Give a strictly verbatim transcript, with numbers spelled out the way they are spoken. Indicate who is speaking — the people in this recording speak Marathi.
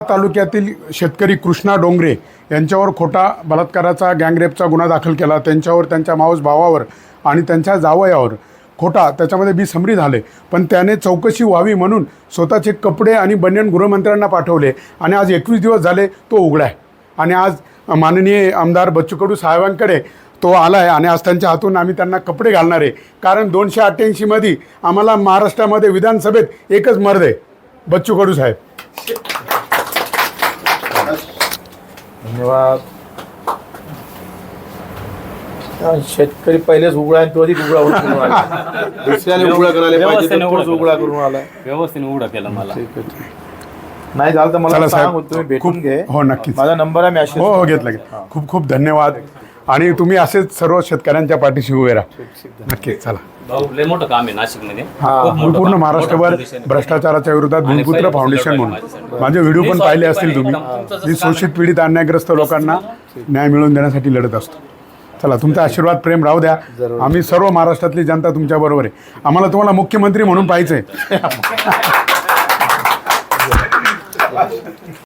Speaker 1: तालुक्यातील शेतकरी कृष्णा डोंगरे यांच्यावर खोटा बलात्काराचा गँगरेपचा गुन्हा दाखल केला। त्यांच्यावर त्यांच्या मावस भावावर आणि त्यांच्या जावयावर खोटा त्याच्यामध्ये बेसमरी झाले, पण त्याने चौकशी व्हावी म्हणून स्वतःचे कपडे आणि बनियन गृहमंत्र्यांना पाठवले आणि आज एकवीस दिवस झाले तो उघडा आहे। आणि आज माननीय आमदार बच्चू कडू साहेबांकडे तो आला आहे आणि आज त्यांच्या हातून आम्ही त्यांना कपडे घालणार आहे, कारण दोनशे अठ्ठ्याऐंशीमध्ये आम्हाला महाराष्ट्रामध्ये विधानसभेत एकच मर्द आहे, बच्चू कडू साहेब।
Speaker 2: धन्यवाद। शेतकरी पहिलेच उघडा आणि तो अधिक उघडा होतो, दुसऱ्याने उघडा करायला पाहिजे तोच उघडा करून आला,
Speaker 3: व्यवस्थित उघडा केला मला।
Speaker 2: नाही झालं तर मला
Speaker 1: चला
Speaker 2: सांग,
Speaker 1: साहेब,
Speaker 2: तुम्ही भेटून
Speaker 1: खूप-
Speaker 2: घे।
Speaker 1: हो, नक्कीच.
Speaker 2: माझा नंबर आहे, मॅसेज
Speaker 1: हो हो घेतला घेतला खूप खूप धन्यवाद। आणि तुम्ही असेच सर्व शेतकऱ्यांच्या पाठीशी उभे राहा, नक्कीच। चला,
Speaker 3: भाऊ लय मोठं काम आहे नाशिक मध्ये,
Speaker 1: पूर्ण महाराष्ट्रभर भ्रष्टाचाराच्या विरोधात भूलपुत्र फाउंडेशन म्हणून माझे व्हिडिओ पण पाहिले असतील तुम्ही, मी शोषित पीडित अन्यायग्रस्त लोकांना न्याय मिळवून देण्यासाठी लढत असतो। चला, तुमचा आशीर्वाद प्रेम राहू द्या, आम्ही सर्व महाराष्ट्रातली जनता तुमच्या बरोबर आहे। आम्हाला तुम्हाला मुख्यमंत्री म्हणून पाहिजे।